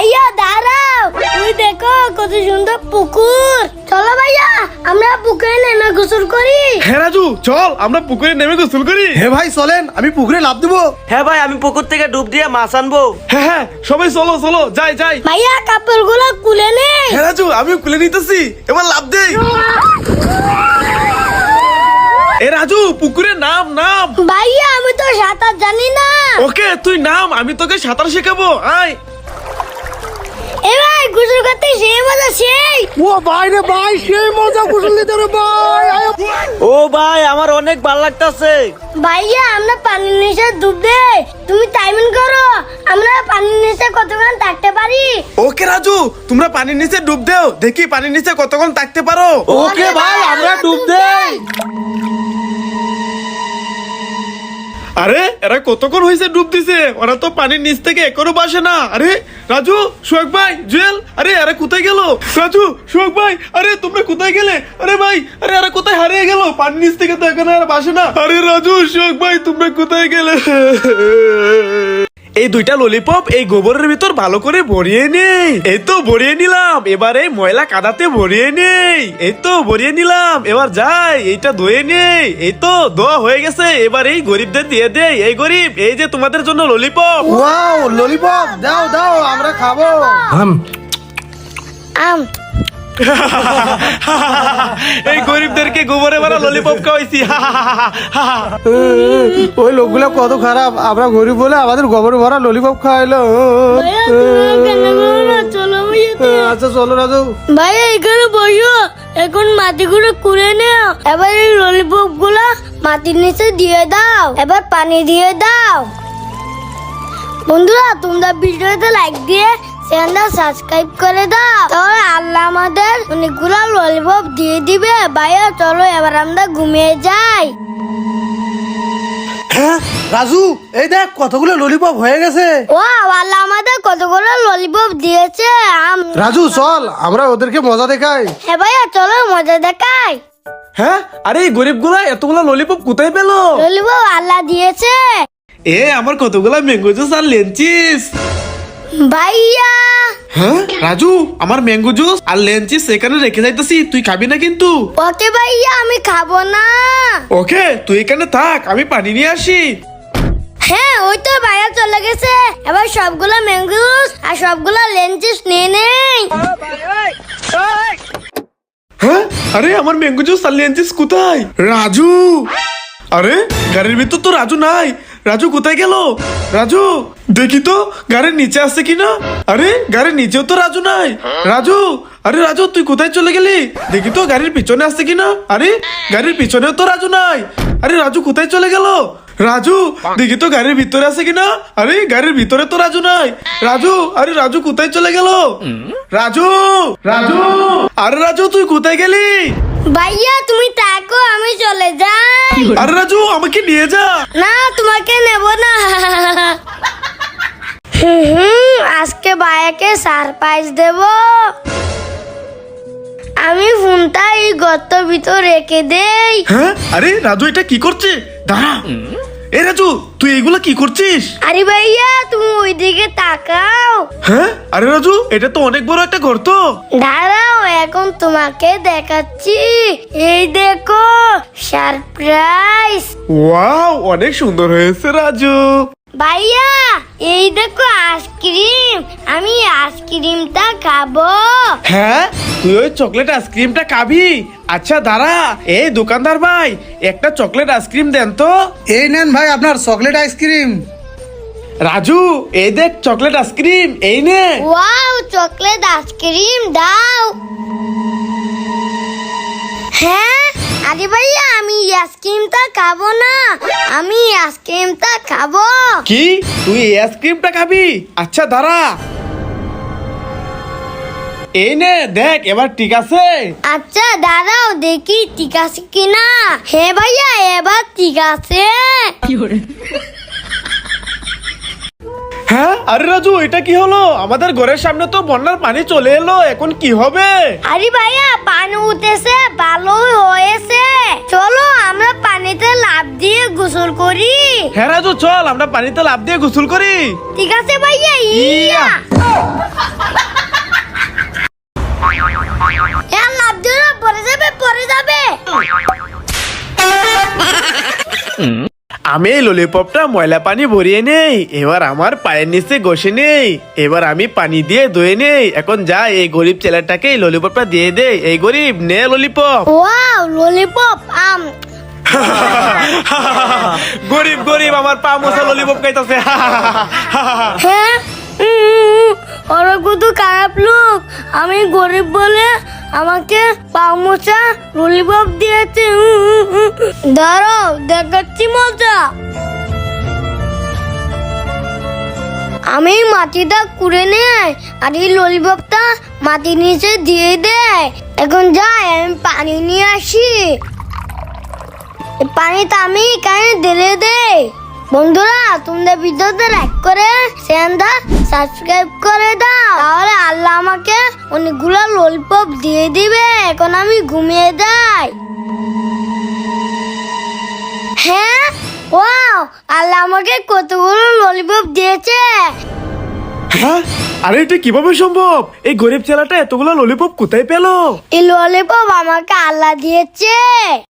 ভাইয়া দাঁড়াও, তুই দেখো কত সুন্দর পুকুর। চলো ভাইয়া আমরা পুকুরে নেমে গোসল করি। হ্যাঁ রাজু, চল আমরা পুকুরে নেমে গোসল করি। হ্যাঁ ভাই চলেন, আমি পুকুরে লাফ দিব। হ্যাঁ ভাই, আমি পুকুর থেকে ডুব দিয়ে মাছ আনবো। হ্যাঁ হ্যাঁ, সবাই চলো চলো, যাই যাই। ভাইয়া কাপড়গুলো খুলে নে। হ্যাঁ রাজু, আমিও খুলে নিতেছি, এবার লাফ দেই। এ রাজু, পুকুরে নাম নাম। ভাইয়া আমি তো সাঁতার জানি না। ওকে তুই নাম, আমি তোকে সাঁতার শেখাবো, আয়। এ ভাই গোসল করতে সেই মজা সেই। ও ভাই রে ভাই, সেই মজা গোসল নিতে রে ভাই। ও ভাই, আমার অনেক ভালো লাগতাছে। ভাইয়া আমরা পানির নিচে ডুব দেই, তুমি টাইমিং করো আমরা পানির নিচে কতক্ষণ থাকতে পারি। ওকে রাজু, তোমরা পানির নিচে ডুব দাও, দেখি পানির নিচে কতক্ষণ থাকতে পারো। ওকে ভাই, আমরা ডুব দেই। আরে এরা কতক্ষণ হয়েছে ডুব দিছে, ওরা তো পানির নিচ থেকে এখনো বাসে না। আরে রাজু, সোহাগ ভাই, জুয়েল, আরে এরা কোথায় গেল? রাজু, সোহাগ ভাই, আরে তোমরা কোথায় গেলে? আরে ভাই, আরে এরা কোথায় হারিয়ে গেল? পানির নিচ থেকে তো এখনো এরা বাসে না। আরে রাজু, সোহাগ ভাই, তোমরা কোথায় গেলে? এই দুইটা ললিপপ এই গোবরের ভিতর ভালো করে ভরিয়ে নেই। এই তো ভরিয়ে নিলাম, এবার এই ময়লা কাদাতে ভরিয়ে নেই। এই তো ভরিয়ে নিলাম, এবার যাই এইটা ধুয়ে নেই। এই তো ধোয়া হয়ে গেছে, এবার এই গরিবদের দিয়ে দেই। এই গরিব, এই যে তোমাদের জন্য ললিপপ। ওয়াও, ললিপপ দাও দাও, আমরা খাবো। আম এই গরিবদেরকে গোবরে ভরা ললিপপ খাওয়াইছি। ওই লোকগুলো কত খারাপ, আমরা গরিব বলে আমাদের গোবর ভরা ললিপপ খাওয়াইলো। ভাইয়া তুমি কেন করো না? চলো ভাইয়া তো। আচ্ছা চলো রাজু। ভাইয়া এখানে বসো, এখন মাটিগুলো কুড়ে নাও। এবার এই ললিপপ গুলা মাটির নিচে দিয়ে দাও, এবার পানি দিয়ে দাও। বন্ধুরা তোমরা ভিডিওতে লাইক দিয়ে চ্যানেলটা সাবস্ক্রাইব করে দাও, তাহলে আল্লাহ আমাদের অনেকগুলো ললিপপ দিয়ে দিবে। ভাইয়া চলো এবার আমরা ঘুমিয়ে যাই। হ্যাঁ রাজু, এই দেখ কতগুলো ললিপপ হয়ে গেছে। ও আল্লাহ আমাদের কতগুলো ললিপপ দিয়েছে। রাজু চল, আমরা ওদেরকে মজা দেখাই। হ্যাঁ ভাইয়া চলো মজা দেখাই। হ্যাঁ, আরে এই গরিবগুলা এতগুলা ললিপপ কোথায় পেলো? ললিপপ আল্লাহ দিয়েছে। এ আমার কতগুলা ম্যাঙ্গো জুস আর লেঞ্চিস। ভাইয়া হ্যাঁ রাজু, আমার ম্যাঙ্গো জুস আর লেঞ্চিস এখানে রেখে যাইতেছি, তুই খাবি না কিন্তু। ওকে ভাইয়া আমি খাবো না। ওকে তুই এখানে থাক, আমি পানি নিয়ে আসি। হ্যাঁ ওই তো ভাইয়া চলে গেছে, এবার সবগুলো ম্যাঙ্গো জুস আর সবগুলো লেঞ্চিস নিয়ে নেই। হ্যাঁ, আরে আমার ম্যাঙ্গো জুস আর লেঞ্চিস কোথায়? রাজু, আরে গাড়ির ভিতর তো রাজু নাই। রাজু কোথায় গেল? রাজু দেখি তো গাড়ির নিচে আছে কিনা। আরে গাড়ির নিচেও তো রাজু নাই। রাজু, আরে রাজু তুই কোথায় চলে গেলি? দেখি তো গাড়ির পিছনে আছে কিনা। আরে গাড়ির পিছনেও তো রাজু নাই। আরে রাজু কোথায় চলে গেল? রাজু দেখি তো গাড়ির ভিতরে আছে কিনা। আরে গাড়ির ভিতরে তো রাজু নাই। রাজু, আরে রাজু কোথায় চলে গেল? রাজু, রাজু, আরে রাজু তুই কোথায় গেলি? ভাইয়া তুমি থাকো, আমি চলে যাই। আরে রাজু আমাকে নিয়ে যা। না তোমাকে নেব না। আজকে ভাইয়াকে সারপ্রাইজ দেব। আমি ফোনটা এই গর্তের ভিতর রেখে দেই। হ্যাঁ, আরে রাজু এটা কি করছে? দাঁড়া। এ রাজু তুই এগুলা কি করছিস? আরে ভাইয়া তুমি ওইদিকে তাকাও। হ্যাঁ, আরে রাজু এটা তো অনেক বড় একটা গর্ত। দাঁড়াও এখন তোমাকে দেখাচ্ছি। এই দেখো সারপ্রাইজ। ওয়াও, অনেক সুন্দর হয়েছে রাজু। ভাইয়া এই দেখো আইসক্রিম, আমি আইসক্রিমটা খাবো। হ্যাঁ, তুই ওই চকলেট আইসক্রিমটা খাবি? আচ্ছা দাঁড়া, এই দোকানদার ভাই একটা চকলেট আইসক্রিম দেন তো। এই নেন ভাই আপনার চকলেট আইসক্রিম। রাজু এই দেখ চকলেট আইসক্রিম, এই নে। ওয়াও চকলেট আইসক্রিম দাও। হ্যাঁ আরে ভাইয়া আমি আইসক্রিমটা খাবো না, আমি আইসক্রিমটা খাবো। কি তুই এই আইসক্রিমটা খাবি? আচ্ছা দাঁড়া, এই নে দেখ এবার ঠিক আছে। আচ্ছা দাঁড়াও দেখি ঠিক আছে কিনা। হ্যাঁ ভাইয়া এবার ঠিক আছে। হ্যাঁ, আরে রাজু এটা কি হলো? আমাদের ঘরের সামনে তো বন্যার পানি চলে এলো, এখন কি হবে? আরে ভাইয়া পানি উঠেছে, ভালো হয়েছে। চলো আমরা পানিতে লাফ দিয়ে গোসল করি। হ্যাঁ রাজু চল আমরা পানিতে লাফ দিয়ে গোসল করি। ঠিক আছে ভাইয়া। ইয়া আমি এই ললিপপটা ময়লা পানি ভরিয়ে নেই, এবার আমার পায়ের নিচে ঘষে নেই, এবার আমি পানি দিয়ে ধুয়ে নেই। এখন যা এই গরিব ছেলেটাকে এই ললিপপটা দিয়ে দে। এই গরিব নে ললিপপ। ওয়াও ললিপপ গরিব গরিব আমার পা মোছা ললিপপ খাইতাছে। হ্যাঁ ওরা কত খারাপ লোক, আমি গরিব বলে আমাকে পাউমোচা ললিপপ দিয়েছে। দাঁড়াও দেখাচ্ছি মজা। আমি মাটিটা কুড়ে নেই আর এই ললিপপটা মাটির নিচে দিয়ে দেয়। এখন যাই আমি পানি নিয়ে আসি, এই পানিটা আমি এখানে ঢেলে দেই। বন্ধুরা তোমরা ভিডিওতে লাইক করে চ্যানেলটা সাবস্ক্রাইব করে দাও, তাহলে আল্লাহ আমাকে অনেকগুলো ললিপপ দিয়ে দিবে। এখন আমি ঘুমিয়ে যাই। হ্যাঁ ওয়াও আল্লাহ আমাকে কতগুলো ললিপপ দিয়েছে। হ্যাঁ, আরে এটা কিভাবে সম্ভব? এই গরিব ছেলেটা এতগুলো ললিপপ কোথায় পেলো? এই ললিপপ আমাকে আল্লাহ দিয়েছে।